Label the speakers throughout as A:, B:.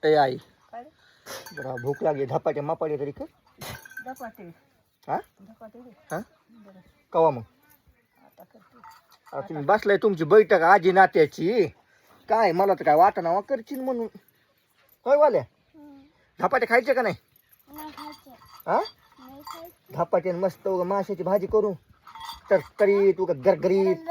A: ए आई
B: काय रे?
A: जरा भूक लागली धपाटे मापाटे तरी कर
B: धपाटे
A: हा
B: धपाटे रे.
A: हा
B: बरं
A: कवा मग
B: आता करते.
A: आता तुम्ही बसलाय तुमची बैठक आजी नात्याची काय मला तर काय वाटना करशील म्हणून होय वाल्या धपाटे खायचे का नाही हा धपाटे मस्त उगा माशाची भाजी करू तर तरी तू गरगरीत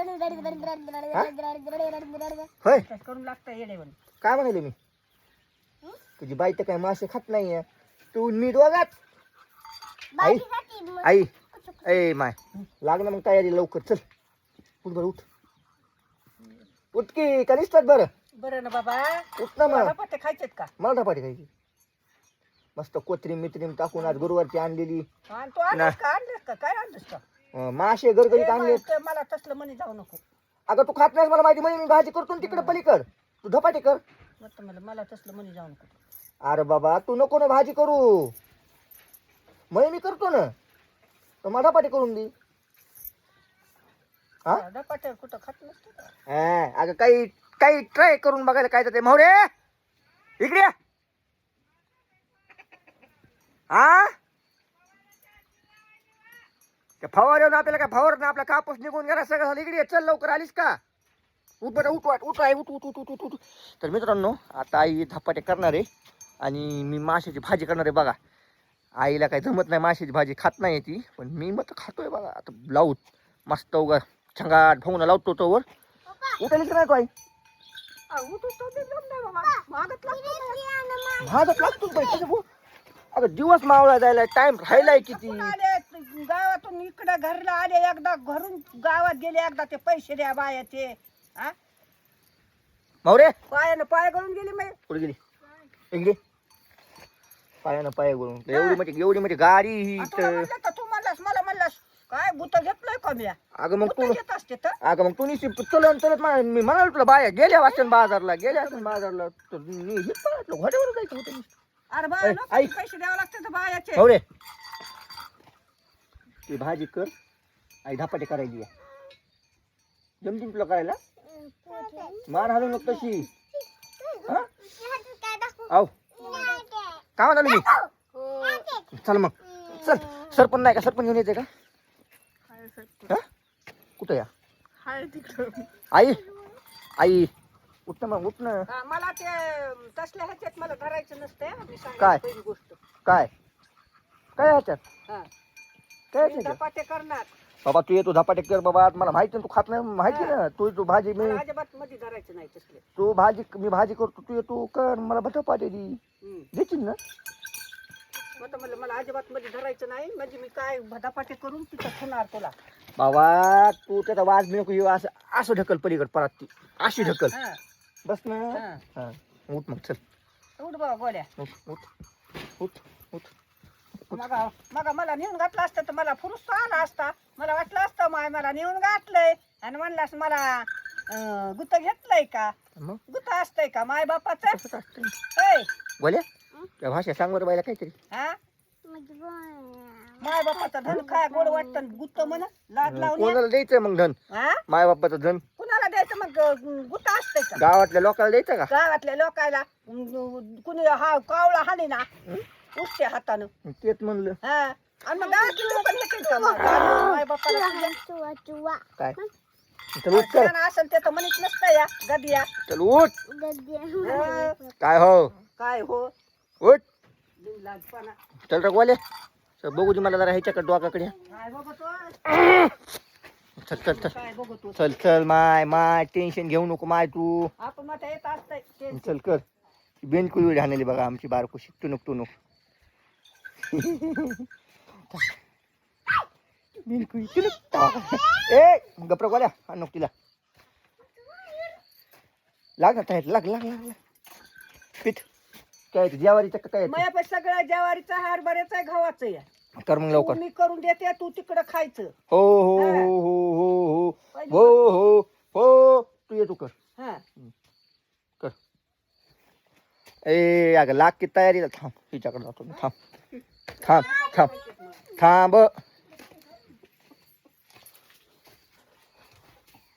A: होय
B: तसं करून लागतं येडेवन.
A: काय म्हणाले मी तुझी बाई तर काय मासे खात नाहीये तू नीट वागात आई आई ए माय लाग ना मग तयारी लवकर चल उठ बरं उठ उठ की का निसतात बरं
B: बरं ना बाबा.
A: उठ ना मग
B: धपाटे खायचेत का?
A: मला धपाटे खायची मस्त कोथरीम मित्रीम टाकून आज गुरुवारची आणलेली
B: आणि तू आणलंस का? आणलंस का? काय आणलंस का?
A: मासे गरगरीत
B: ए,
A: आणले
B: ते मला तसलं म्हणे जाऊ नको.
A: अगं तू खात नाहीस मला माहिती म्हणजे मी भाजी करतो ना तिकडे पलीकड तू धपाटे कर
B: मला तसलं म्हणे जाऊ नको.
A: अरे बाबा तू नको ना भाजी करू मी करतो ना तर मला धपाटे करून दे हा
B: धपाटे कुठं खात नसतो का?
A: अगं काही काही ट्राय करून बघायला काय तर ते मोहरे इकडे ये. हा त्या फवाऱ्यावर आपल्याला काय फवार आपला कापूस निघून गेला सगळं झालं इकडे ये. चल लवकर आलीस का उठ बरं उठ वाट उठ आहे उठ उठ उठ उठ उठ उठ तर मित्रांनो आता आई धपाटे करणार आहे आणि मी माशाची भाजी करणार आहे बघा आईला काही जमत नाही माशाची भाजी खात नाही ती पण मी मग खातोय बघा आता लावूत मस्त उगा छंगाट भाऊना लावतो तो वर उठायला की नाही तो आई भाजत लागतो अगं दिवस मावळा जायला टाइम राहिलाय किती
B: आले गावातून इकडे घरला आले एकदा घरून गावात गेले एकदा ते पैसे द्या बायाचे. हा
A: मावरे
B: पायानं पाय गळून गेले मी.
A: कुठे गेली इकडे पायानं पाय गळून एवढी मोठी गाडी ही
B: तुला म्हणलं तर तू म्हणलास मला म्हणलास काय भूत घेतलंय का मी?
A: अगं मग तू
B: घेत असते तर
A: अगं मग तू निश्चित चलत मी म्हणाल तुला बाया गेल्या वाचन बाजारला तर मी हे पाहतलं घोड्यावर जायचं होतं
B: अरे बा
A: ऐ,
B: लोकांनी
A: ऐक.
B: पैसे द्यावे लागते तर बायाचे.
A: मावरे ती भाजी कर आई धपाटे करायची जमतील तुला करायला मान हलवू नको तशी हा आव काय म्हणालो मी चल मग चल सरपण नाही का सरपण घेऊन येते का हा कुठं या
B: हाय तिकडं.
A: आई आई उठ ना मग उठ ना
B: हा, मला ते तसल्या ह्याच्यात मला धरायचं नसतं. मी
A: काय?
B: सांगायची पहिली गोष्ट.
A: काय काय ह्याच्यात
B: हा
A: काय
B: मी
A: ह्याच्यात
B: धपाटे करणार.
A: बाबा तू येतो धपाटे कर बाबा मला माहिती ना तू खात नाही माहिती ना तू भाजी मी
B: मला अजिबात मध्ये धरायचं नाही तसले.
A: तू मी भाजी करतो तू येतो कर मला धपाटे दे देशील ना
B: मग म्हणलं मला अजिबात मध्ये धरायचं नाही म्हणजे मी काय धपाटे करून तिथं ठेवणार तुला.
A: बाबा तू त्याचा वाज नको येऊ असं असं ढकल पलीकड परत ती अशी ढकल
B: हा
A: बस ना
B: हा.
A: हा उठ मग चल
B: उठ बाबा गोड्या.
A: उठ उठ उठ उठ
B: मग मला नेऊन घातलं असतं तर मला फुरुस आला असता. मला वाटलं असतं माय मला नेऊन घातलंय आणि म्हणलास मला गुत्त घेतलंय का?
A: मग
B: गुत्त असतंय का माय बापाचं?
A: कसं असतंय बोल्या त्या भाषा सांग बरं बायला काहीतरी
B: हा माय बापाचं धन खाय गोड वाटतं गुत्त म्हण लाज लावून
A: कोणाला द्यायचं मग धन
B: हा
A: माय बाप्पाचं धन
B: कुणाला द्यायचं मग गुत्त असतंय का?
A: गावातल्या लोकांना द्यायचं का
B: गावातल्या लोकायला कुणी हा कावळा हाणी ना उठते हातानं.
A: तेच म्हणलं
B: हा आणि मग गावातली लोक येतील का मग? माय बापाला
A: काय चल उठ चल
B: असेल ते तर म्हणत नसतं या गदिया.
A: चल उठ
B: हा,
A: काय हो
B: काय हो
A: उठ
B: बिनलाजपणा.
A: चल रे बोले चल बघू दे मला जरा ह्याच्याकडे डोकाकडे
B: काय बघतो
A: चल चल चल
B: काय बघतो
A: चल चल माय टेन्शन घेऊ नको माय तू
B: आपण मग येत असतंय ते.
A: चल कर बेनकुळी हाणली बघा आमची बारकोशी टुनुक टुनुक बेनकुळी टुनुक ए गप्र गोल्या हा नको तिला लाग ना टाईट लाग लाग लाग पीठ काय ज्वारीचं का काय
B: मग सगळं ज्वारीचा हरभऱ्याचा आहे गव्हाचं या.
A: कर मग लवकर
B: मी करून देते तू तिकडं खायचं.
A: हो हो हो हो हो हो हो हो तू ये तू कर
B: हा
A: कर ए अगं लाग की तयारीला थांब हिच्याकडे जातो मी थांब थांब थांब थांब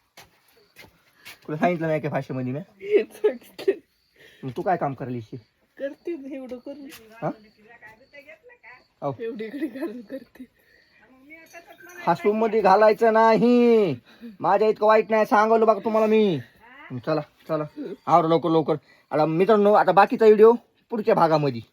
A: तुला सांगितलं नाही का भाषेमध्ये मी तू काय काम करायली
C: करते ना एवढं करून
A: हा हो.
C: एवढी इकडे घालून करते
A: हसूम मध्ये घालायचं नाही. माझ्या इतकं वाईट नाही सांगवलं बघा तुम्हाला मी. चला चला आवर लवकर लवकर. आता मित्रांनो आता बाकीचा व्हिडिओ पुढच्या भागामध्ये.